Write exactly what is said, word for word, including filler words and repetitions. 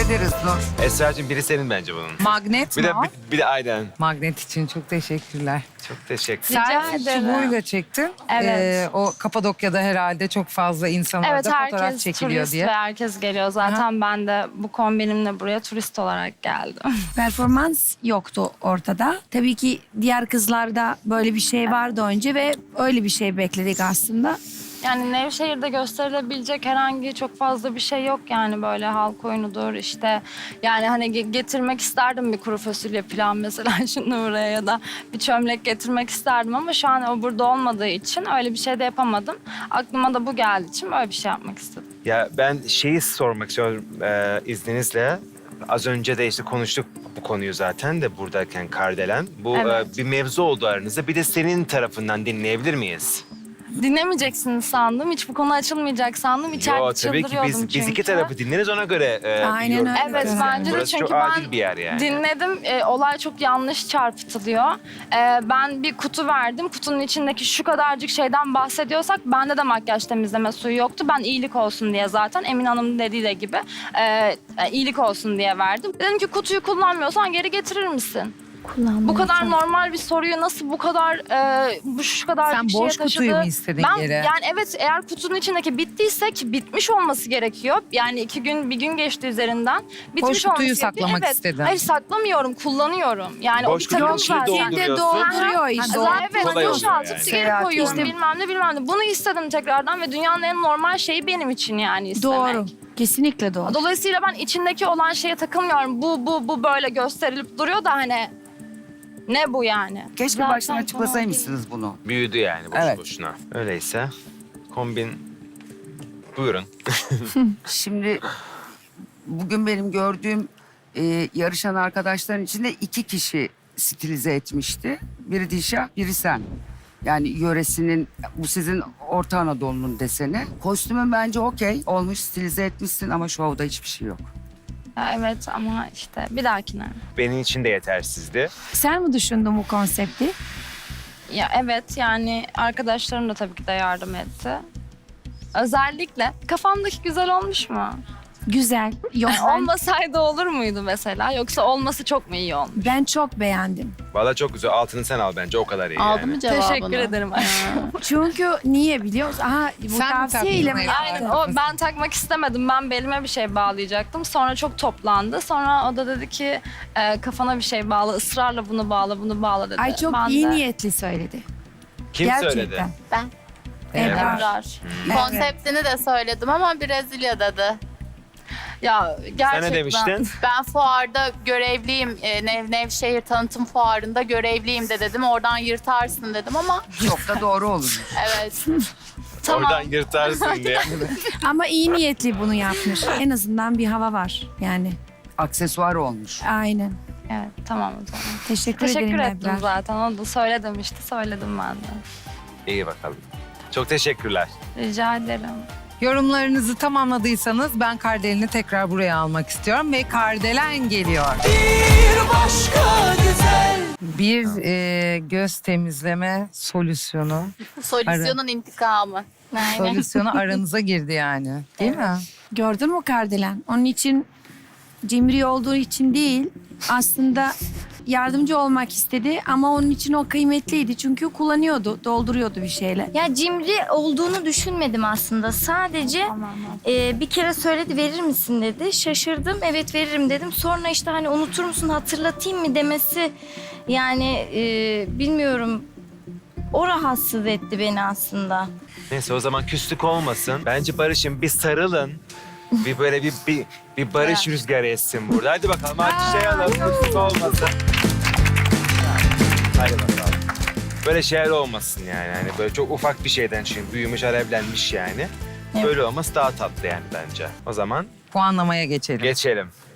ederiz Nur. Esra'cığım biri senin bence bunun. Magnet Bir mi de o? bir, bir de aynen. Magnet için çok teşekkürler. Çok teşekkür. Rica Sen ederim. çubuğuyla çektin. Evet. Ee, o Kapadokya'da herhalde çok fazla insan Evet, orada fotoğraf herkes çekiliyor turist diye. ve herkes geliyor. Zaten ben de bu kombinimle buraya turist olarak geldim. Performans yoktu ortada. Tabii ki diğer kızlarda böyle bir şey vardı önce ve öyle bir şey bekledik aslında. Yani Nevşehir'de gösterilebilecek herhangi çok fazla bir şey yok yani böyle halk oyunudur işte. Yani hani ge- getirmek isterdim bir kuru fasulye pilav mesela şimdi buraya ya da bir çömlek getirmek isterdim ama şu an o burada olmadığı için öyle bir şey de yapamadım. Aklıma da bu geldiği için böyle bir şey yapmak istedim. Ya ben şeyi sormak istiyorum e, izninizle. Az önce de işte konuştuk bu konuyu zaten de buradayken Kardelen. Bu Evet. e, bir mevzu oldu aranızda. Bir de senin tarafından dinleyebilir miyiz? Dinlemeyeceksiniz sandım. Hiç bu konu açılmayacak sandım. İçeride Yo, tabii ki çıldırıyordum biz, çünkü. biz iki tarafı dinleriz ona göre e, Aynen bir yorum öyle. Evet yaparız. bence de Burası çünkü çok adil ben bir yer yani. dinledim. E, olay çok yanlış çarpıtılıyor. E, ben bir kutu verdim. Kutunun içindeki şu kadarcık şeyden bahsediyorsak bende de makyaj temizleme suyu yoktu. Ben iyilik olsun diye zaten Emin Hanım'ın dediği de gibi e, e, iyilik olsun diye verdim. Dedim ki kutuyu kullanmıyorsan geri getirir misin? Bu kadar normal bir soruyu nasıl bu kadar e, bu şu kadar Sen bir şeye boş taşıdı? kutuyu mu istedin ben, geri? Yani evet eğer kutunun içindeki bittiyse ki bitmiş olması gerekiyor. Yani iki gün bir gün geçti üzerinden. Bitmiş Boş kutuyu olması gerekiyor. saklamak evet. istedin. Hayır saklamıyorum kullanıyorum. Yani Boş o bir takım kutunun içine zaten. Şimdi dolduruyorsun. dolduruyor işte. Zaten evet Kolay oluyor boşaltıp yani. geri Seyahat koyuyorum işte. bilmem ne bilmem ne. Bunu istedim tekrardan ve dünyanın en normal şeyi benim için yani istemek. Doğru. Kesinlikle doğru. Dolayısıyla ben içindeki olan şeye takılmıyorum. Bu bu bu böyle gösterilip duruyor da hani ne bu yani? Keşke Zaten baştan konu açıklasaymışsınız bunu. Büyüdü yani boş Evet. boşuna. Öyleyse kombin buyurun. Şimdi bugün benim gördüğüm e, yarışan arkadaşların içinde iki kişi stilize etmişti. Biri Dişah, biri sen. Yani yöresinin, bu sizin Orta Anadolu'nun deseni. Kostümün bence okey olmuş, stilize etmişsin ama şovda hiçbir şey yok. Ya evet ama işte bir dahakine. Benim için de yetersizdi. Sen mi düşündün bu konsepti? Ya evet yani arkadaşlarım da tabii ki de yardım etti. Özellikle kafamdaki güzel olmuş mu? Güzel. Yok, Yani ben, olmasaydı olur muydu mesela? Yoksa olması çok mu iyi olmuş? ben çok beğendim. Valla çok güzel. Altını sen al bence o kadar iyi Aldı yani. mı cevabını? Teşekkür ederim. Çünkü niye biliyor musun? Aha, bu Sen mi tavsiyeyle mi taktın? Aynen yaptın? o ben takmak istemedim. Ben belime bir şey bağlayacaktım. Sonra çok toplandı. Sonra o da dedi ki e, kafana bir şey bağla. Israrla bunu bağla, bunu bağla dedi. Ay çok Ben iyi de- niyetli söyledi. Kim Gerçekten. söyledi? Ben. Ebrar. Ebrar. Konseptini de söyledim ama Brezilya dedi. Ya gerçekten. Sen ne demiştin? Ben fuarda görevliyim, e, Nev Nevşehir tanıtım fuarında görevliyim de dedim. Oradan yırtarsın dedim ama Çok da doğru olur. evet. Tamam. Oradan yırtarsın diye. Ama iyi niyetli bunu yapmış. En azından bir hava var yani. Aksesuar olmuş. Aynen. Evet tamam o zaman. Teşekkür, Teşekkür ederim ettim Ebrar. zaten. Onu da söyle demişti. Söyledim ben de. İyi bakalım. Çok teşekkürler. Rica ederim. Yorumlarınızı tamamladıysanız ben Kardelen'i tekrar buraya almak istiyorum ve Kardelen geliyor. Bir başka güzel. Bir e, göz temizleme solüsyonu. Solüsyonun intikamı. Solüsyonu aranıza girdi yani. Değil mi? Gördün mü Kardelen? Onun için cimri olduğu için değil, aslında yardımcı olmak istedi ama onun için o kıymetliydi. Çünkü kullanıyordu, dolduruyordu bir şeyle. Ya cimri olduğunu düşünmedim aslında. Sadece e, bir kere söyledi verir misin dedi. Şaşırdım evet veririm dedim. Sonra işte hani unutur musun hatırlatayım mı demesi yani e, bilmiyorum o rahatsız etti beni aslında. Neyse o zaman küslük olmasın. Bence barışın bir sarılın. Bir böyle bir bir, bir barış rüzgarı essin burada. Hadi bakalım hadi şey alalım küslük olmasın. Hadi bakalım. Böyle şeyler olmasın yani. Hani böyle çok ufak bir şeyden çünkü büyümüş alevlenmiş yani. Böyle olması daha tatlı yani bence. O zaman Puanlamaya geçelim. geçelim.